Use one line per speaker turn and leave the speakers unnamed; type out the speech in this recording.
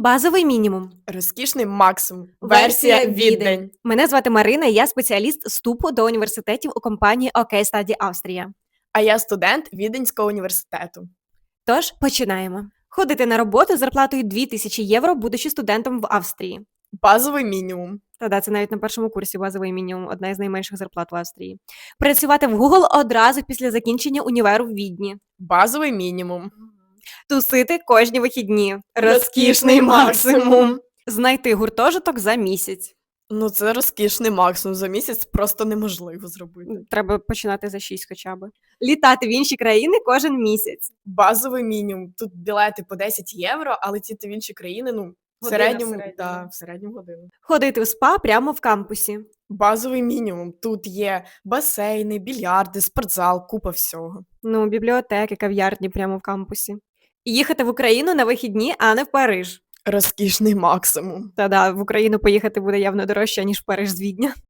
Базовий мінімум.
Розкішний максимум.
Версія
Версія
Відень.
Відень.
Мене звати Марина, і я спеціаліст вступу до університетів у компанії OK Study Австрія.
А я студент Віденського університету.
Тож починаємо. Ходити на роботу з зарплатою 2000 євро, будучи студентом в Австрії.
Базовий мінімум.
Та-да, це навіть на першому курсі базовий мінімум, одна із найменших зарплат в Австрії. Працювати в Google одразу після закінчення універу в Відні.
Базовий мінімум.
Тусити кожні вихідні.
Розкішний максимум.
Знайти гуртожиток за місяць.
Ну, це розкішний максимум. За місяць просто неможливо зробити.
Треба починати за 6 хоча б. Літати в інші країни кожен місяць.
Базовий мінімум. Тут білети по 10 євро, а летіти в інші країни, в
Година в
середньому,
середньому.
в середньому годину.
Ходити в спа прямо в кампусі.
Базовий мінімум. Тут є басейни, більярди, спортзал, купа всього.
Ну, бібліотеки, кав'ярні прямо в кампусі. Їхати в Україну на вихідні, а не в Париж.
Розкішний максимум.
Та-да, в Україну поїхати буде явно дорожче, ніж в Париж з Відня.